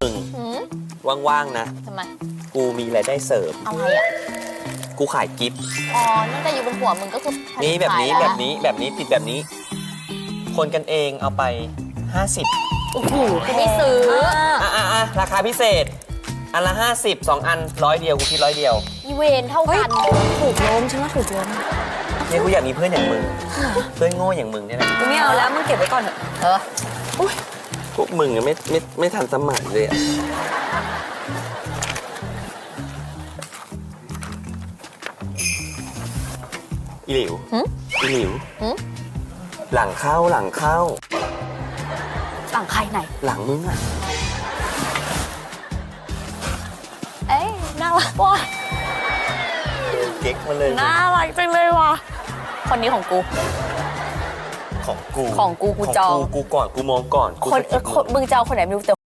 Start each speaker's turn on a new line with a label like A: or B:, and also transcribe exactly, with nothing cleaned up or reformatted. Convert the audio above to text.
A: มึง
B: หืม
A: ว่างๆนะ
B: ทำไม
A: กูมีรายได้เสริม
B: อะไรอ่ะ
A: กูขายกิฟต์
B: อ๋อนั่นแต่อยู่บนหัวมึงก็คือผลิต
A: นี่แบบนี้
B: ขาย
A: แบ
B: ล้ว
A: บนี้แบบนี้ติดแบบนี้ คนกันเองเอาไป ห้าสิบ
B: โอ้โหกูไม่ซื้อ
A: อ่ะอ่ะอ่ะราคาพิเศษ อันละ ห้าสิบ สองอันร้อยเดียวกูคิดร้อยเดียว
B: อีเวนเท่ากัน
C: ถูกล้มฉันว่าถูกล้ม
A: เนี่ยกูอยากมีเพื่อนอย่างมึง เพื่อนโง่อย่างมึงเนี่ยนะ
C: กูไม่เอาแล้วมึงเก็บไว้ก่อนเถอะ
B: เออ
A: พวกมึงอะไม่ไม่ไม่ทันสมัยเลยอะอีหลิว
B: หึ
A: อีหลิว
B: หึ
A: หลังเข้าหลังเข้า
C: หลังใครไหน
A: หลังมึงอะ
B: เอ้ยน่ารักว่ะ
A: เก๊กมาเลย
B: น่ารักจังเลยว่ะคนนี้ของกู
A: ของกู
B: ของกูกูจอง
A: ขกูกูก่อนกูมองก่อนกู
B: คน
A: สะ
B: เอ
A: กิ
B: อ
A: ด
B: คนมึงจะเอาคนไหนไม่รู้แต่